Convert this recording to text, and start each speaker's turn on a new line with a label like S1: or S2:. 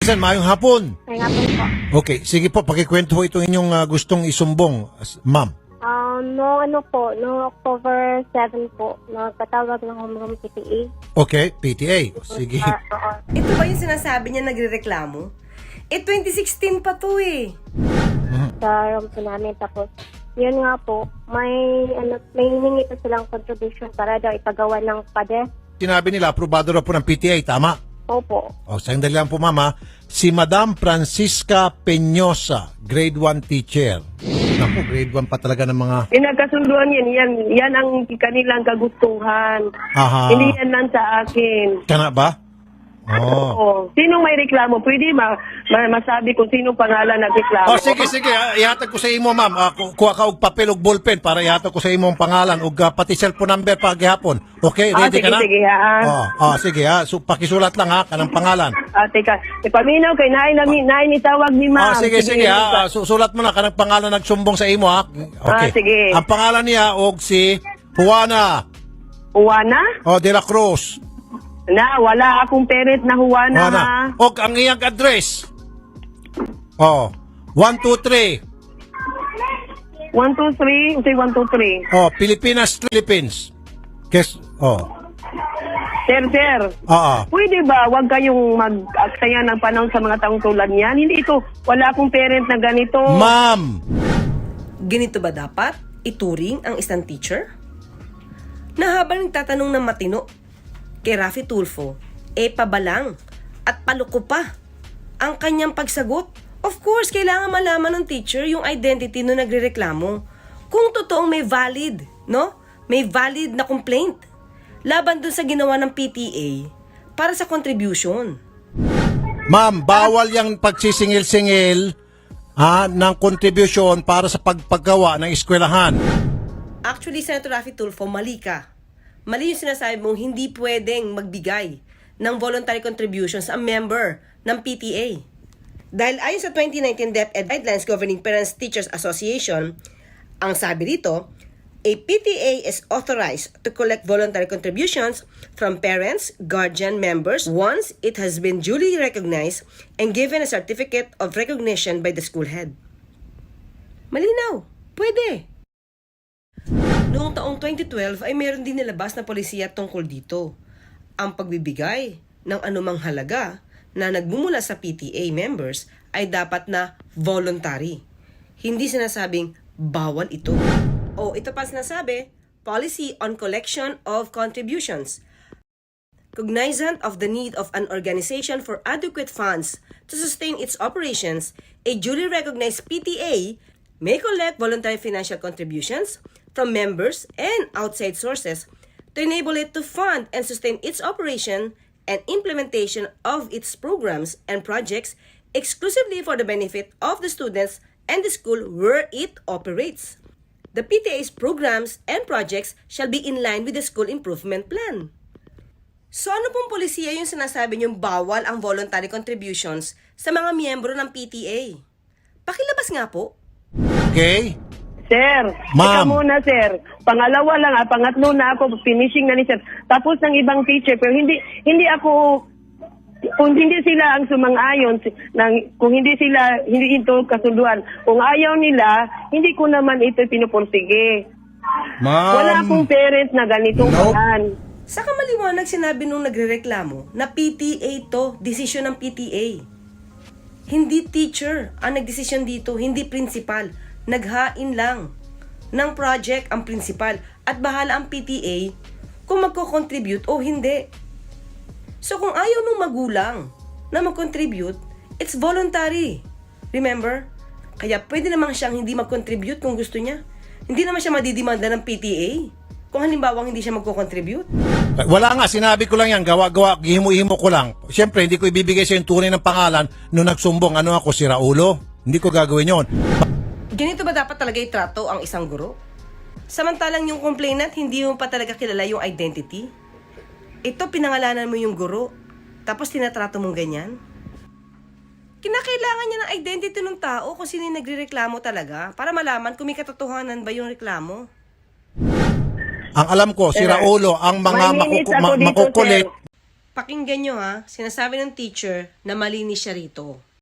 S1: Sir, mayong hapon.
S2: May hapon po.
S1: Okay, sige po, pakikwento po itong inyong gustong isumbong, ma'am.
S2: No October 7 po, nagpatawag ng homeroom PTA.
S1: Okay, PTA. Sige.
S3: Ito ba yung sinasabi niya nagrereklamo? 2016 pa to eh.
S2: Sa room po namin. Tapos, yun nga po, may hiningi pa silang contribution para daw ipagawa ng PADES.
S1: Sinabi nila, aprobado na po ng PTA, tama?
S2: Opo.
S1: O, sandali lang po, mama. Si Madam Francisca Peñosa, grade 1 teacher. Naku, grade 1 pa talaga ng mga...
S4: Pinagkasunduan yan ang kanilang kagustuhan.
S1: Aha.
S4: Hindi yan lang sa akin.
S1: Kana ba? Oh.
S4: Oo. Sinong may reklamo? Pwede masabi kung sinong pangalan nagreklamo.
S1: Oh, sige. Ihatag ko sa imo, ma'am. Kuha ka og papel og ballpen para ihatag ko sa imo ang pangalan ug pati cellphone number pa gihapon. Okay, ready ka na?
S4: Sige, ha.
S1: Sige ha. So, pakisulat lang ha kanang pangalan.
S4: Teka. Ipaminaw kay naay ni tawag ni ma'am.
S1: Sige ha. Sulat mo na kanang pangalan nagsumbong sa imo ha. Okay.
S4: Sige.
S1: Ang pangalan niya og si Juana.
S4: Juana?
S1: De la Cruz.
S4: Wala akong parent na Juana, ha.
S1: Og ang iyang address. 123.
S4: 123. Say 123.
S1: Pilipinas, Philippines. Yes.
S4: Sir. Pwede ba wag kayong mag-aksaya ng panahon sa mga taong tulad niyan? Hindi ito. Wala akong parent na ganito.
S1: Ma'am.
S3: Ganito ba dapat ituring ang isang teacher? Na habang nagtatanong ng matino kay Raffy Tulfo, pabalang at paluko pa ang kanyang pagsagot. Of course, kailangan malaman ng teacher yung identity no nagrereklamo. Kung totoong may valid, no? May valid na complaint laban dun sa ginawa ng PTA para sa contribution.
S1: Ma'am, bawal yung pagsisingil-singil ng contribution para sa pagpagawa ng eskwelahan.
S3: Actually, Senator Raffy Tulfo, mali ka. Mali yung sinasabi mong hindi pwedeng magbigay ng voluntary contributions ang member ng PTA. Dahil ayon sa 2019 DepEd Guidelines Governing Parents Teachers Association, ang sabi dito, a PTA is authorized to collect voluntary contributions from parents, guardian members once it has been duly recognized and given a certificate of recognition by the school head. Malinaw, pwede. Noong taong 2012 ay meron din nilabas na polisiya tungkol dito. Ang pagbibigay ng anumang halaga na nagmumula sa PTA members ay dapat na voluntary. Hindi sinasabing bawal ito. Ito pa sinasabi, Policy on Collection of Contributions. Cognizant of the need of an organization for adequate funds to sustain its operations, a duly recognized PTA may collect voluntary financial contributions from members and outside sources to enable it to fund and sustain its operation and implementation of its programs and projects exclusively for the benefit of the students and the school where it operates. The PTA's programs and projects shall be in line with the school improvement plan. So ano pong polisiya yung sinasabi niyong bawal ang voluntary contributions sa mga miyembro ng PTA? Pakilabas nga po.
S1: Okay?
S4: Sir,
S1: Ma'am.
S4: ikaw muna, sir. Pangalawa lang, pangatlo na ako, finishing na ni sir. Tapos ng ibang teacher, pero hindi ako, kung hindi sila ang sumang-ayon, kung hindi ito kasunduan, kung ayaw nila, hindi ko naman ito pinupursige.
S1: Ma'am.
S4: Wala akong parent na ganitong kanan.
S3: Sa kamaliwanag sinabi nung nagrereklamo na PTA to, desisyon ng PTA. Hindi teacher ang nagdesisyon dito, hindi principal. Naghain lang ng project ang principal at bahala ang PTA kung magko-contribute o hindi. So kung ayaw nung magulang na mag-contribute, it's voluntary. Remember? Kaya pwede naman siyang hindi mag-contribute kung gusto niya. Hindi naman siya madidimanda ng PTA kung halimbawa hindi siya magko-contribute.
S1: Wala nga, sinabi ko lang yan, gawa-gawa, himo-himo ko lang. Siyempre, hindi ko ibibigay sa yung tunay ng pangalan nung nagsumbong. Ano ako, si Raulo? Hindi ko gagawin yon.
S3: Ganito ba dapat talaga itrato ang isang guro? Samantalang yung complainant, hindi mo pa talaga kilala yung identity. Ito, pinangalanan mo yung guro, tapos tinatrato mong ganyan. Kinakailangan niya ng identity ng tao kung sino yung nagrereklamo talaga para malaman kung may katotohanan ba yung reklamo.
S1: Ang alam ko, si Raulo, ang mga
S4: May minutes ako dito,
S1: makukulit.
S4: sir.
S3: Pakinggan nyo ha, sinasabi ng teacher na malinis siya rito.